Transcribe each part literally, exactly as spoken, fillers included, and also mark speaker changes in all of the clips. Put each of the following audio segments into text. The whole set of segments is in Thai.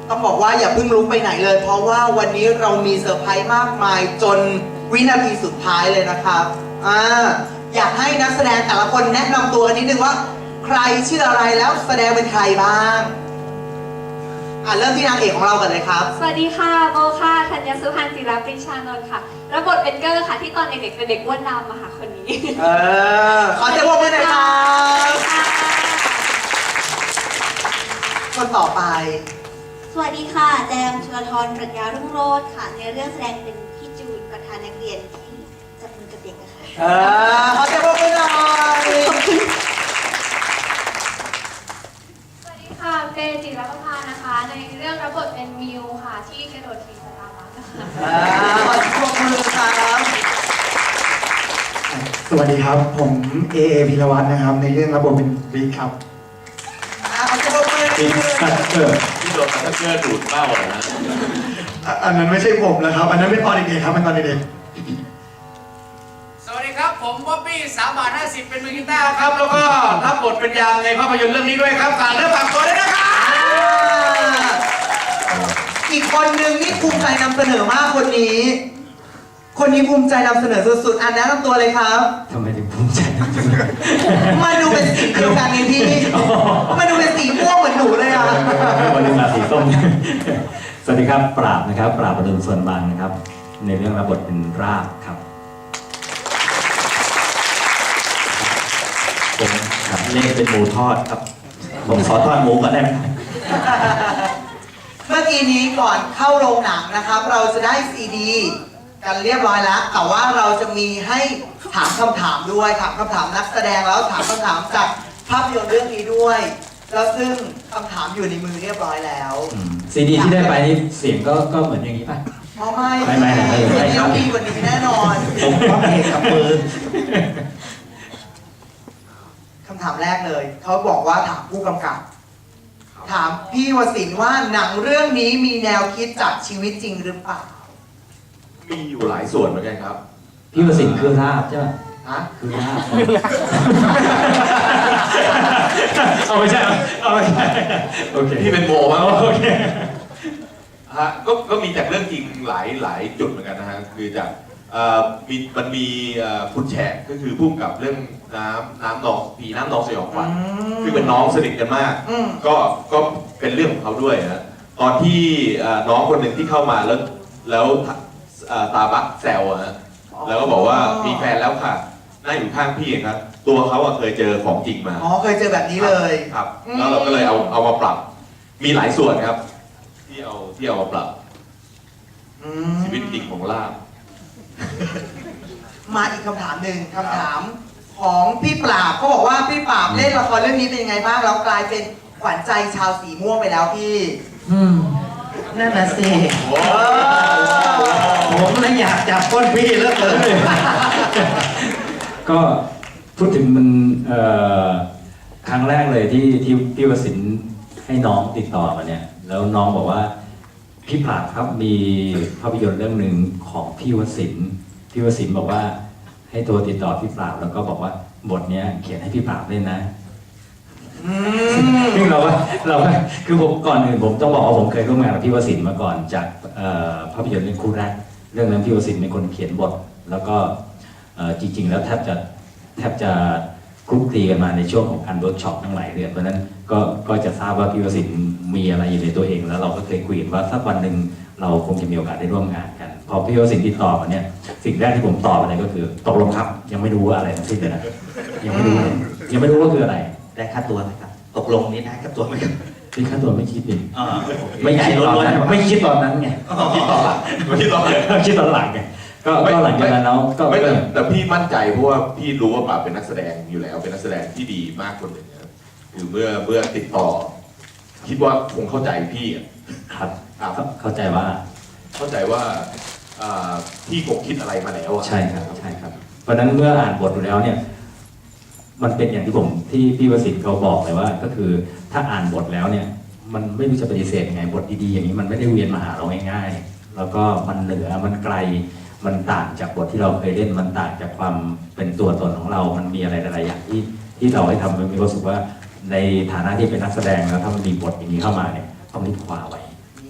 Speaker 1: ต้องบอกว่าอย่าเพิ่งลุกไปไหนเลยเพราะว่าวันนี้เรามีเซอร์ไพรส์มากมายจนวินาทีสุดท้ายเลยนะครับอ่าอยากให้นักแสดงแต่ละคนแนะนำตัวกันนิดนึงว่าใครชื่ออะไรแล้วแสดงเป็นใครบ้างอ่าเริ่มที่นางเอกของเรากันเลยครับ
Speaker 2: สวัสดีค่ะโบค่ะธัญสุพรรณศิลปริชานนท์ค่ะรับบทเป็นเกอร์ค่ะที่ตอนเด็กๆเป็นเด็กอ้วนดำอะค่ะคนนี้
Speaker 1: เออขอเสียงปรบมือหน่อยครับคนต่อไป
Speaker 3: สวัสดีค่ะแจมชลธรปรัชญารุ่งโรจน์ค่ะในเรื่องแสดงเป็นพี่จูนประธานนักเรียนที่จับมือกับเด็กนะคะ
Speaker 1: เออขอเสียงปรบมือหน่อย
Speaker 2: สวัสดีค่ะเฟย์จิรประภานะคะในเรื่องรับบทเป็นมิวค่ะที่กระโดดถีบสตาร์บัคค่ะ
Speaker 1: ขอเสียงปรบมือครับ
Speaker 4: สวัสดีครับผมเอเอพิรวัฒน์นะครับในเรื่องรับบทเป็นบิ๊กครับ
Speaker 5: บิ๊กคัตเตอร์ที่โดนคัตเตอร์ดูดเป้าเลยนะ
Speaker 4: อันนั้นไม่ใช่ผมแล้วครับอันนั้นเป็นตอนเด็กๆครับเป็นตอนเด็ก
Speaker 6: ๆสวัสดีครับผมบ๊อบบี้สามบาทห้าสิบเป็นมือกีตาร์ครับแล้วก็รับบทเป็นยามในภาพยนตร์เรื่องนี้ด้วยครับฝากเนื้อฝากตัวด้วยนะครับ
Speaker 1: อีกคนนึงนี่ภูมิใจนำเสนอมากคนนี้คนนี้ภูมิใจนำเสนอสุดๆอันแนะนำตัวเลยครับ
Speaker 5: ทำไมถึงภูมิใจนำเสนอ
Speaker 1: มาดูเป็นสีเดียวกันไงพี่มาดูเป็นสีม่วงเหมือนหนูเลยอ่ะ
Speaker 5: วันนี้มาสีส้มสวัสดีครับปราบนะครับปราบประดุลส่วนบางนะครับในเรื่องรับบทเป็นราบครับผมครับเล่นเป็นหมูทอดครับผมขอทอดหมูก่อนได้ไหม
Speaker 1: เมื่อกี้นี้ก่อนเข้าโรงหนังนะครับเราจะได้ซีดีกันเรียบร้อยแล้วแต่ว่าเราจะมีให้ถามคำถามด้วยถามคำถามนักแสดงแล้วถามคำถามจากภาพยนตร์เรื่องนี้ด้วยแล้วซึ่งคำถามอยู่ในมือเรียบร้อยแล้ว
Speaker 5: ซีดีที่ได้ไปนี่เสียงก็ก็เหมือนอย่างนี้ป่ะ
Speaker 1: อ๋อไม่
Speaker 5: ไม่ไม่ไม่
Speaker 1: ไม่ต้องดีกว่านี้แน่นอน
Speaker 5: ผมก็เองกับมือ
Speaker 1: คำถามแรกเลยเขาบอกว่าถามผู้กำกับถามพี่วสินทร์ว่าหนังเรื่องนี้มีแนวคิดจากชีวิตจริงหรือเปล่า
Speaker 7: มีอยู่หลายส่วนเหมือนกันครับ
Speaker 5: พี่วสินทร์คือราบใช่ไหม
Speaker 1: ฮะ
Speaker 5: คือราบเอาไม่ใช่เอาไม่ใช่โอเค
Speaker 7: ที่เป็นโมมั้ง
Speaker 5: โอเค
Speaker 7: ฮะก็ก็มีจากเรื่องจริงหลายหลายจุดเหมือนกันนะฮะคือจากมีมันมีคุณแฉกก็คือพุ่งกับเรื่องน้ำน้ำนองผีน้ำนองสยองขวัญคือเป็นน้องสนิทกันมากก็ก็เป็นเรื่องของเขาด้วยนะตอนที่น้องคนหนึ่งที่เข้ามาแล้วแล้วตาบักแซวนะแล้วก็บอกว่ามีแฟนแล้วค่ะนั่งอยู่ข้างพี่ครับตัวเขาเคยเจอของจริงมา
Speaker 1: อ๋อเคยเจอแบบนี้เลย
Speaker 7: ครับแล้วเราก็เลยเอาเอามาปรับมีหลายส่วนครับที่เอาที่เอามาปรับชีวิตจริงของล่า
Speaker 1: มาอีกคำถามหนึ่งคำถามของพี่ปราบเขาบอกว่าพี่ปราบเล่นละครเรื่องนี้เป็นยังไงบ้างแล้วกลายเป็นขวัญใจชาวสีม่วงไปแล้วพี่
Speaker 8: นั่นน่ะสิผมเลยอยากจับก้นพี่แล้วเกิน
Speaker 5: ก็พูดถึงมันครั้งแรกเลยที่ที่พี่วสินทร์ให้น้องติดต่อมาเนี่ยแล้วน้องบอกว่าพี่ปราบครับมีภาพยนตร์เรื่องหนึ่งของพี่วสินทร์พี่วสินทร์บอกว่าให้โทรติดต่อพี่ปราบแล้วก็บอกว่าบทเนี้ยเขียนให้พี่ปราบเล่นนะซึ่งเราก็เราคือผมก่อนอื่นผมต้องบอกว่าผมเคยร่วมงานกับพี่วสินทร์มาก่อนจากภาพยนตร์เรื่องคู่แรกเรื่องนั้นพี่วสินทร์เป็นคนเขียนบทแล้วก็จริงๆแล้วแทบจะแทบจะคลุกคลีกันมาในช่วงของการเวิร์กช็อปทั้งหลายเดือนเพราะนั้นก็ก็จะทราบว่าพี่วสินทร์มีอะไรอยู่ในตัวเองแล้วเราก็เคยคุยว่าสักวันหนึ่งเราคงจะมีโอกาสได้ร่วมงานกันพอพี่วสินทร์ติดต่อมาเนี่ยสิ่งแรกที่ผมตอบไปเลยก็คือตกลงครับยังไม่รู้ว่าอะไรทั้งสิ้นเลยนะยังไม่รู้ยังไม่รู้ว่าคืออะไร
Speaker 8: ได้ค่าตัวไหมครับตกลงนี้ได้ค่าตัวไหมครับ
Speaker 5: ที่ค่าตัวไม่คิดดิไม่คิดตอนนั้นไม่คิดตอนนั้นไง
Speaker 7: คิดตอนหลังไม่คิดตอนหลัง
Speaker 5: คิดตอนหลังไงก็หลังจากนั้นแล้วก็
Speaker 7: แต่พี่มั่นใจเพราะว่าพี่รู้ว่าปราบเป็นนักแสดงอยู่แล้วเป็นนักแสดงที่ดีมากคนหนึ่งนะคือเมื่อเมื่อติดต่อคิดว่าคงเข้าใจพี่
Speaker 5: ครับเข้าใจว่า
Speaker 7: เข้าใจว่าพี่คงคิดอะไรมาแล้ว
Speaker 5: ใช่ครับใช่ครับเพราะนั้นเมื่ออ่านบทดูแล้วเนี่ยมันเป็นอย่างที่ผมที่พี่วสินทร์เขาบอกเลยว่าก็คือถ้าอ่านบทแล้วเนี่ยมันไม่รู้จะปฏิเสธยังไงบทดีๆอย่างนี้มันไม่ได้เวียนมาหาเราง่ายๆแล้วก็มันเหนือมันไกลมันต่างจากบทที่เราเคยเล่นมันต่างจากความเป็นตัวตนของเรามันมีอะไรหลายๆอย่างที่ที่เราให้ทำมันมีความรู้สึกว่าในฐานะที่เป็นนักแสดงแล้วถ้ามันมีบทอย่างนี้เข้ามาเนี่ยต้องรีบคว้าไว้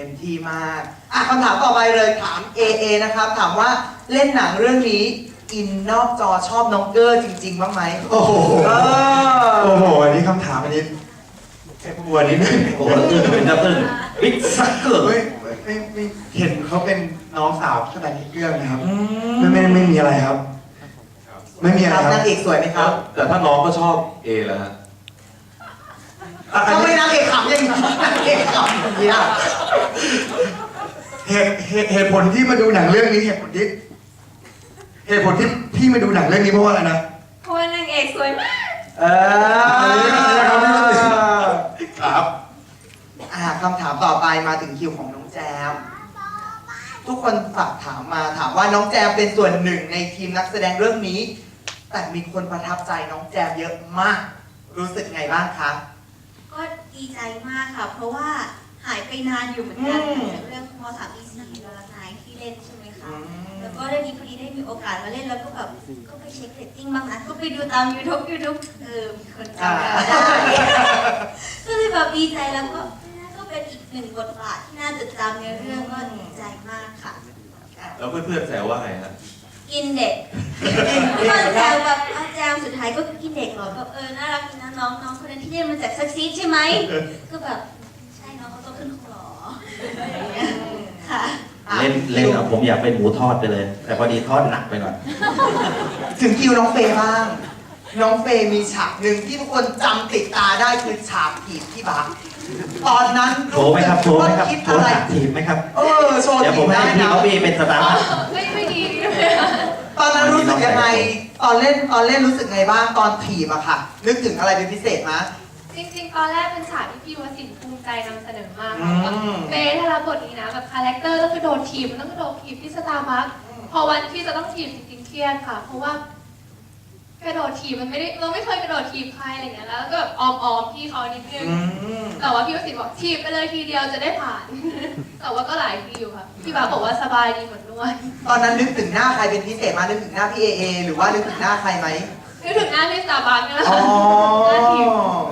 Speaker 1: ต็มที่มากอ่ะคำถามต่อไปเลยถาม เอ เอ นะครับ ถามว่าเล่นหนังเรื่องนี้อินนอกจอชอบน้องเกอร์จริง ๆ บ้างไหม
Speaker 4: โอ้โห
Speaker 1: เออ
Speaker 4: โอ้โหอันนี้คำถามอันนี้แค่บัวนิดนึง
Speaker 8: โอ้โหอึ้งเป็นดับเบิ้ลบิ๊กซักเกอร์
Speaker 4: ไม่ไม่ไม่เห็นเขาเป็นน้องสาวขนาดนี้เรื่องนะครับ ไม่ไม่ไม่มีอะไรครับ ไม่มีอะไร
Speaker 1: ครับ
Speaker 4: ครับ
Speaker 1: นางเอกสวยไหมครับ
Speaker 7: แต่ถ้าน้องก็ชอบเอแล้วฮะ
Speaker 4: อ่ะอัน
Speaker 1: ทำไม
Speaker 4: นี้
Speaker 1: นางเอกขำอย่างนี้นางเอกขำอย่างนี้อ่ะ
Speaker 4: เหตุเหตุเหตุผลที่มาดูหนังเรื่องนี้เหตุผลที่เหตุผลที่พี่มาดูหนังเรื่องนี้เพราะว่าอะไรนะ
Speaker 2: เพราะว่านางเอกสวยมาก
Speaker 1: เออ
Speaker 7: ครับ
Speaker 1: อ่าคำถามต่อไปมาถึงคิวของน้องแจม ทุกคนฝากถามมาถามว่าน้องแจมเป็นส่วนหนึ่งในทีมนักแสดงเรื่องนี้ แต่มีคนประทับใจน้องแจมเยอะมาก รู้สึกไงบ้างคะ
Speaker 3: ก็ดีใจมากค่ะ เพราะว่าหายไปนานอยู่เหมือนกัน
Speaker 1: อืม
Speaker 3: จากเรื่องมสามปีสี่ดอลลาร์นายที่เล่นใช่ไหมคะ
Speaker 1: อืม
Speaker 3: แล้วก็ได้ดีพอดีได้มีโอกาสมาเล่นแล้วก็แบบก็ไปเช็คเรตติ้งบ้างนะก็ไปดูตาม YouTube YouTube เออมีคนจำเราได้ก็เลยแบบดีใจแล้วก็ก็เป็นอีกหนึ่งบทบาทที่น่าจดจำในเรื่องก็ดีใจมากค่ะ
Speaker 7: แล้วเพื่อนๆแซวว่าไงฮะ
Speaker 3: กินเด็กก็แซวแบบอาจารย์สุดท้ายก็กินเด็กเหรอแบบเออน่ารักดีนะน้องน้องคนนั้นที่เรียนมาจากซักซีดใช่ไหมก็แบบใช่น้องเขาโตขึ้นคงหรออะไรอย่างเงี้ยค่ะ
Speaker 8: เล่นเล่นเอาผมอยากเป็นหมูทอดไปเลย แต่พอดีทอดหนักไปหน่อย
Speaker 1: ถึงคิวน้องเฟย์บ้าง น้องเฟย์มีฉากหนึ่งที่ทุกคนจำติดตาได้คือฉากถีบพี่บักตอนนั้น
Speaker 8: โชว์ไหมครับโชว์ไหมครับ
Speaker 1: คิด
Speaker 8: โช
Speaker 1: อะ
Speaker 8: ว์
Speaker 1: ไร
Speaker 8: หนักทีมไหมครับ
Speaker 1: เออโชว์
Speaker 8: เดี๋ยวผ
Speaker 1: ถี
Speaker 8: ม
Speaker 1: บ
Speaker 8: ให้
Speaker 1: ได้
Speaker 8: พี่
Speaker 1: นะ
Speaker 8: บ๊อบบี้เป็นสตาร์
Speaker 2: ไม่ไม่ดี
Speaker 1: ตอนนั้นรู้สึกยังไง ตอนเล่นตอนเล่นรู้สึกไงบ้างตอนถีบอะค่ะ นึกถึงอะไรเป็นพิเศษมั้ย
Speaker 2: จริงๆ ตอนแรกเป็นฉากที่พี่วสินทร์ภูมิใจนำเสนอมาก
Speaker 1: อื
Speaker 2: ค่ะ
Speaker 1: ม
Speaker 2: เฟย์ถ้ารับบทนี้นะแบบคาแรคเตอร์ต้องกระโดดถีบมันต้องกระโดดถีบที่สตาร์บัคพอวันที่จะต้องถีบจริงๆเครียดค่ะ เพราะว่ากระโดดถีบมันไม่ได้เราไม่เคยกระโดดถีบใครอะไรอย่างเงี้ยแล้วก็แบบออมๆพี่เขานิดนึง
Speaker 1: อืม
Speaker 2: แต่ว่าพี่วสินทร์บอกถีบไปเลยทีเดียวจะได้ผ่าน แต่ว่าก็หลายทีอยู่ค่ะพี่บาสบอกว่าสบายดีเหมือนนวด
Speaker 1: ตอนนั้นนึกถึงหน้าใครเป็นพิเศษมานึกถึงหน้าพี่เอเอหรือว่านึกถึงหน้าใครไหม
Speaker 2: นึกถึงหน้าที่สตาร์บัคนี่แหละ
Speaker 1: อ๋อ
Speaker 2: หน้าถีบ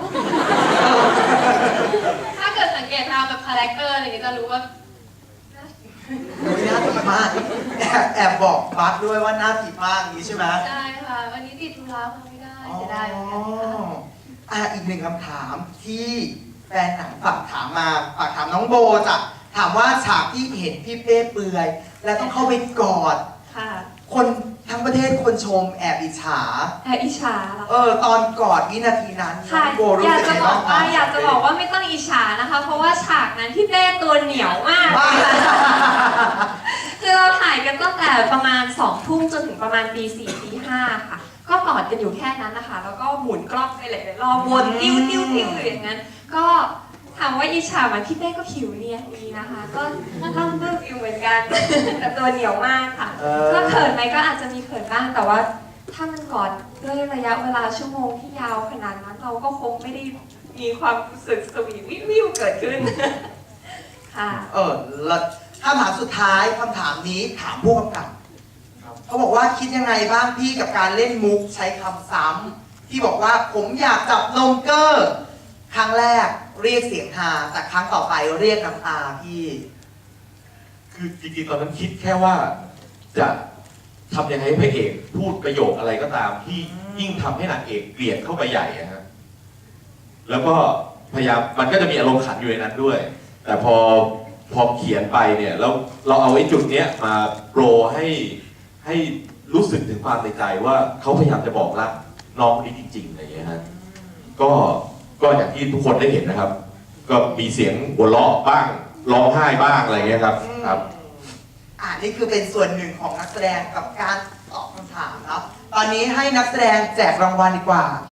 Speaker 2: ถ้าเกิดสังเกตตามแบบคาแรคเตอร์อะไรอย่างเงี้ยจะรู้ว่าหน้าถีบ
Speaker 1: โอ้ยหน้าถีบมากแอบแอบบอกบัสด้วยว่าหน้าถีบมากอย่างนี้ใช่ไหม
Speaker 2: ใช่ค่ะ วันนี้ติดธุระมาไม่ได้เสียดายเหมือนกันค่ะ
Speaker 1: อ่ะอีกหนึ่งคำถามที่แฟนหนังฝากถามมาฝากถามน้องโบจ้ะถามว่าฉากที่เห็นพี่เป้เปลือย แล้วต้องเข้าไปกอด
Speaker 2: ค่ะ
Speaker 1: คนทั้งประเทศคนชมแอบอิจฉา
Speaker 2: แอบอิจฉาเหรอ
Speaker 1: เออ ตอนกอดวินาทีนั้นน้
Speaker 9: ค่ะ
Speaker 1: องโบรู้
Speaker 9: อยาก
Speaker 1: สึก
Speaker 9: จะ
Speaker 1: ไง
Speaker 9: บอ
Speaker 1: บ้าง
Speaker 9: ก
Speaker 1: คะ
Speaker 9: ว่าอยากจะบอกว่าไม่ต้องอิจฉานะคะ เพราะว่าฉากนั้นพี่เต้ตัวเหนียวมาก
Speaker 1: บ้า
Speaker 9: คือเราถ่ายกันตั้งแต่ประมาณสองทุ่มจนถึงประมาณตีสี่ตีห้าค่ะ ก็กอดกันอยู่แค่นั้นนะคะ แล้วก็หมุนกล้องไปหลายๆรอบวนติ้วติ้วติ้วอยู่อย่างนั้น ก็ถามว่าอิจฉาไหมพี่เต้ก็ผิวเนียนดีนะคะ ก็ต้องเลือกอยู่เหมือนกัน แต่ตัวเหนียวมากค่ะ
Speaker 1: เออ
Speaker 9: ก็เขินไหมก็อาจจะมีเขินบ้างแต่ว่า ถ้ามันกอดด้วยระยะเวลาชั่วโมงที่ยาวขนาดนั้น เราก็คงไม่ได้มีความรู้สึกสวีทวิววิวเกิดขึ้น ค่ะ
Speaker 1: เออแล้วคำถามสุดท้ายคำถามนี้ถามผู้กำกับเขาบอกว่าคิดยังไงบ้างพี่กับการเล่นมุกใช้คำซ้ำที่บอกว่าผมอยากจับนมเกอร์ ครั้งแรกเรียกเสียงฮาแต่ครั้งต่อไปเรียกน้ำตาพี่
Speaker 7: คือจริงๆตอนนั้นคิดแค่ว่าจะทำยังไงให้พระเอกพูดประโยคอะไรก็ตามที่ยิ่งทำให้นางเอกเกลียดเข้าไปใหญ่อะฮะแล้วก็พยายามมันก็จะมีอารมณ์ขันอยู่ในนั้นด้วย แต่พอพอเขียนไปเนี่ยแล้วเราเอาไอ้จุดเนี้ยมาโปรให้ให้รู้สึกถึงความในใจว่าเขาพยายามจะบอกรักน้องคนนี้จริงๆอะไรอย่างเงี้ยฮะก็ก็อย่างที่ทุกคนได้เห็นนะครับ ก็มีเสียงหัวเราะบ้างร้องไห้บ้างอะไรเงี้ยครับครับ
Speaker 1: อ่านี่คือเป็นส่วนหนึ่งของนักแสดงกับการตอบคำถามเนาะตอนนี้ให้นักแสดงแจกรางวัลดีกว่า